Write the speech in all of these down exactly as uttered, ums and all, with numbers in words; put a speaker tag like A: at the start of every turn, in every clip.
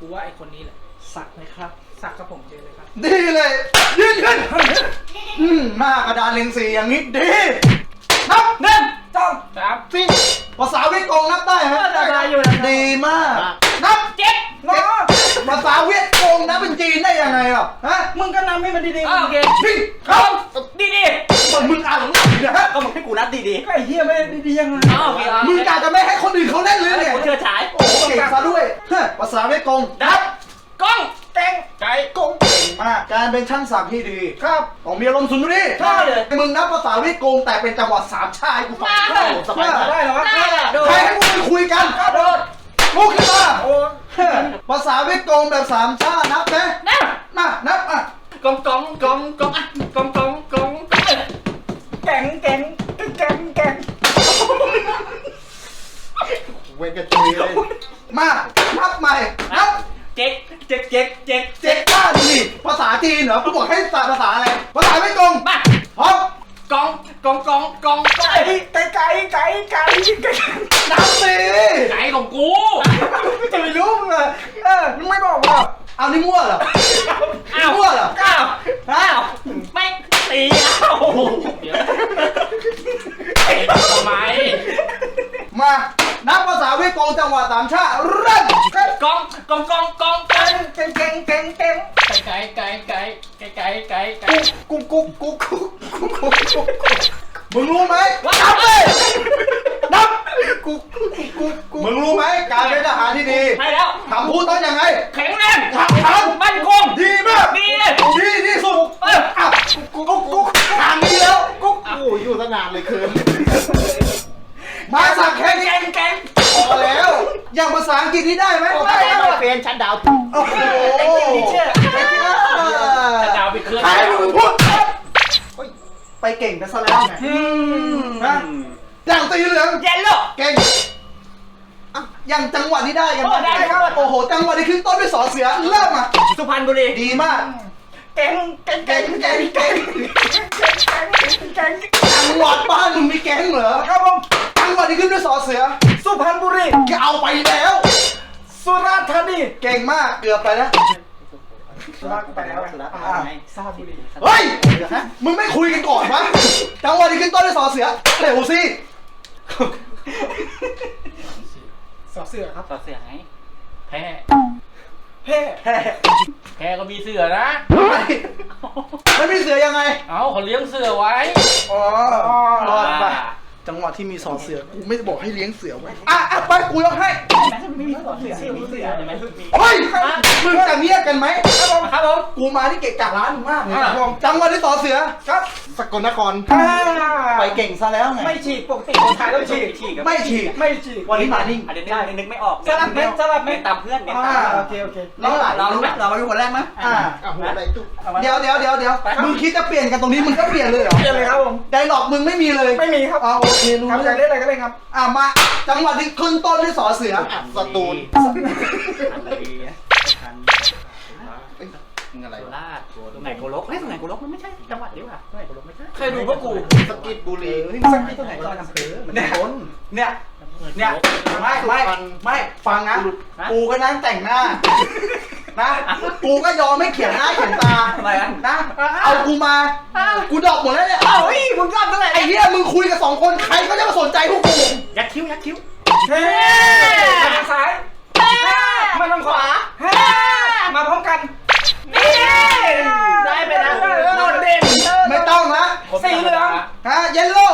A: กูว่าไอ้คนนี้แหละ
B: สักไหมครับ
A: สักกับผมเจอเลยครับ
B: ดีเลยยืนขึ้นอืมหน้ากระดานเล็งสีอย่างนี้ดีนับหนึ่งสองสามสี่ภาษาเวียดกงนับได้ไหมได้อยู่ดีมากนับเจ็ดภาษาเวียดกงนับเป็นจีนได้ยังไงอ่ะฮะ
A: มึงก็นำให้มันดีๆ
B: โอเคพี่ครับ
A: ดีดี
B: มึงอ่านนะฮะก็มึงให้กูนับดี
A: ๆก็ไอ้เหี้ยไม่ดีๆยังไง
B: มึงกะจะไม่ให้คนอื่นเขาเล่นเลยเนี่ย
C: กูเชื่อฉาย
B: โอ้เก่งซะด้วยภาษาเวียดกงนับ
A: กล้องแกง
B: ไก่กงเก่งมากการเป็นช่างสักที่ดีครับต้องมีอารมณ์สุนทรีใช่เลยมึงนับภาษาเวียดกงแต่เป็นจังหวัดสามชายกูฟังสบายได้เหรอวะใครให้มึงคุยกันโดดลุกขึ้นมาภาษาเวียดกงแบบสามชานับนะนับมานับอ่ะ
C: กองกองกองกองอ่ะกองกองกอง
A: แกงแกงแกงแกง
B: เวกจุยเลยมานับใหม่นับ
C: เจ๊กเจ๊กเจ๊กเจ๊ก
B: เจ๊กบ้าดิภาษาจีนเหรอกูบอกให้ภาษาอะไรภาษาไม่กง
C: มา
B: พร้อม
C: กองกองกองกอง
A: ไก่ไก่ไก่ไก่ไก่ไก่
B: นับสิ
C: ไก่ของกู
A: จะไม่รู้มึงเลยเออมึงไม่บอกว่า
B: เอานี่มั่วเหรอ
C: อ้าว
B: มั่วเหรอ
C: อ้าวอ้าวไม่ตีอ้าวเดี๋ยวทำไม
B: มานับภาษาเวียดกงจังหวัดสามชาติเริ่ม
C: กองกองกองกอง
A: แกงแกงแกงแกงแกง
C: ไก่ไก่ไก่ไก่ไก่ไก่ไก่
B: กุ๊กกุ๊กกุ๊กกุ๊กกุ๊กกุ๊กกุ๊กมึงรู้ไหมนับเลยนับกุ๊กกุ๊กกุ๊กกุ๊กมึงรู้ไหมการเป็นทหารที่ดี
C: ใช่แล้ว
B: คำพูดต้องยังไง
C: แข็งแรง
B: ขับขัน
C: มั่นคง
B: ดีมาก
C: ดี
B: ดีที่สุดเอออ่ะกุ๊กกุ๊กกุ๊กทางนี้แล้วกุ๊ก
D: โอ้อยู่ตั้งนานเลยคืน
B: มาสักแค่
C: แกงแกง
B: พอแล้วอย่างภาษาอังกฤษนี่ได้ไหม
D: ได้ได้เฟนชั้นดาว
B: โอ้โห
C: ชั้นดาวไปเคลื่อน
B: ใครมึงพูดไปเก่งกันซะแล้วไงนะอย่างตีเหลือง
C: เย็นลูก
B: เก่งอย่างจังหวัดนี้ได้กันได้ครับโอ้โหจังหวัดนี้ขึ้นต้นด้วยสอเสือเริ่มอ่ะ
C: สุพรรณบุรี
B: ดีมาก
A: แกงแกงแกงแกงแกงแกง
B: จังหวัดบ้านมึงมีแก๊งเหรอ
A: ครับผม
B: จังหวัดนี้ขึ้นด้วยสอเสือ
A: สุพรรณบุรี
B: เอาไปแล้ว
A: สุราษฎร์ธานี
B: เก่งมากเกือบไปแล้ว
A: สุราษฎร์ไปแล้วสุราษฎร์ไงสุราษฎร์บุรี
B: เฮ้ยมึงไม่คุยกันก่อนวะจังหวัดนี้ขึ้นต้นด้วยสอเสือเร็วสิ
A: สอเสือครับ
C: สอเสือไงแพ้
A: แพ้
B: แพ้
C: แพ้ก็มีเสือนะ
B: ไม่มีเสือยังไง
C: เอ้าเขาเลี้ยงเสือไว้
B: อ๋อรอดไปจังหวัดที่มีสอเสือกูไม่บอกให้เลี้ยงเสือไว้อ่ะอ่ะไปกูยกให้
A: ไม่มีสอเสือมีเสือใช่ไหม
B: เฮ้ยมึงจะเงียบกันไหม
C: ครับผมครับผม
B: กูมาที่เกะกะร้านมากเลยจังหวัดที่สอเสือครับ
D: สกลนคร
B: ไปเก่งซะแล้วไง
A: ไม่ฉีกปกติคนไทยต้องฉีก
B: ไม่ฉีก
A: ไม่ฉีก
B: วันนี้มานิ่ง
C: อันนี้นึกไม่ออก
A: สลับเม็ดสลับเม็ด
C: ตามเพื่อนเนี่ย
A: โอเคโอเค
B: เราเรารู้ไหมเราเป็นคนแรกไหม
D: อ่าหัวอะไรตุ๊ก
B: เดี๋ยวเดี๋ยวเดี๋ยวเดี๋ยวมึงคิดจะเปลี่ยนกันตรงนี้มึงก็เปลี่ยนเลยเหรอ
A: เปลี่ยนเลยครับผม
B: ไดร็อกมึงไม่มีเลย
A: ไม่มีครับ
B: อ๋อโอเครู้
A: ครับจะเล่นอะไรก็เล่นครับ
B: อ่ะมาจังหวัดที่ขึ้นต้นด้วยสอเสือ
D: สตูล
C: อะไรราชตรงไหนโกลกเฮ้ยตรงไหนโกลกมันไม่ใช่จังหวัดเดียวอ่ะตรงไหนโกลกไม่ใช่
A: เคยดูพวกกู
D: สกิดบุรี
B: สกิดตรงไหนตอนอำเภอเหมือนคนเนี่ยเนี่ยไม่ไม่ไม่ฟังนะกูก็นั่งแต่งหน้านะกูก็ยอมไม่เขียนหน้าเขียนตา
C: อะไร
B: นะเอากูมากูดอกหมดแล้วเนี่ย
A: เอ้าเฮ้ยมึงรอดเท่าไหร่
B: ไอ้เหี้ยมึงคุยกับสองคนใครก็จะมาสนใจพวกกู
C: ยัดคิ้วยัดคิ้ว
A: เฮ้มาทางซ้ายมาทางขวามาพร้อมกัน
C: นี่ได้ไปนะโดดเด่น
B: ไม่ต้องนะ
A: สีเหลือง
B: ฮะเยลโล่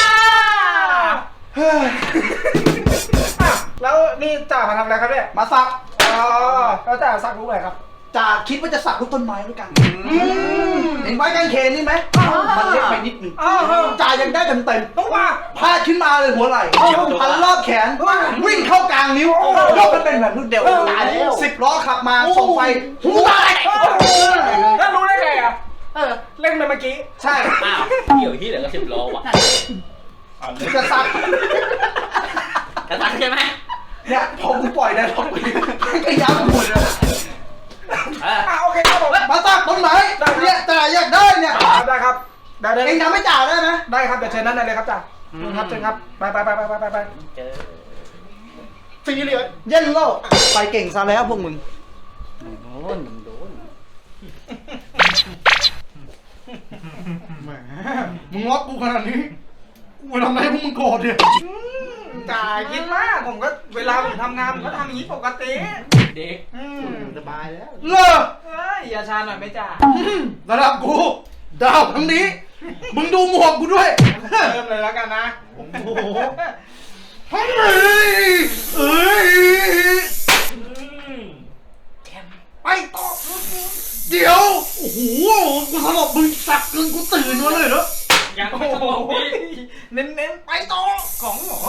A: แล้วนี่จ่ามาทำอะไรครับเนี่ย
B: มาสัก
A: อ๋อแล้วจ่าสักรูปอะไรครับ
B: จ่าคิดว่าจะสักรูปต้นไม้ด้วยกันเห็นไม้กางเขนนี่ไหมมันเล็กไปนิดนึงจ่ายังได้เต็มเต็ม
A: ต้องมา
B: พาดขึ้นมาเลยหัวไหล่พันรอบแขนวิ่งเข้ากลางนิ้วยกมันเป็นแบบลูกเดียวตายแล้วสิบล้อขับมาส่งไฟหูตาย
A: แล้วรู้ได้ไงอ่ะเออเล่นไปเมื่อกี้
B: ใช่
C: อ้าวเกี่ยวที่เหลือก็สิบล้อว่ะ
B: จะสัก
C: จะสักใช่ไหม
B: เนี่ยพอกูปล่อยได้พอกูก็ย้ำหมดเลย
A: อ่าโอเคครับผม
B: มาสักตรงไหนเนี่ยจ่าอยากได้เนี่ย
A: ได้ครับได้ได้
B: เองทำให้จ่าได้ไหม
A: ได้ครับเดี๋ยวเชิญนั่นเลยครับจ่าครับเชิญครับไปไปไปไปไปไป
C: เจอ
D: สีเหลือง
B: เย็นโลกไปเก่งซะแล้วพวกมึงแหมมึงงอกูขนาดนี้กูไปทำอะไรให้พวกมึงโกรธเนี่ย
A: จ่ายคิดมากผมก็เวลาผมทำงานผมก็ทำอย่างนี้ปกติ
C: เด็ก
A: อืม
D: สบายแล้ว
B: เลิก
A: เฮ้ยอย่าชาหน่อยไหมจ่า
B: ระดับกูดาวทั้งนี้ มึงดูหมวกกูด้วย
A: เริ่มเลยแล้วกันนะ
B: โอ้โหเฮ้ยเอ้ยไปต่อเดี๋ยว โอ้โห กูสลบมึงสักจนกูตื่นมาเลยเหรอ
C: ยัง
A: โอ้
C: ไม่ส
A: โห
C: งบพี่
A: เน้นๆไปต่อของหมอ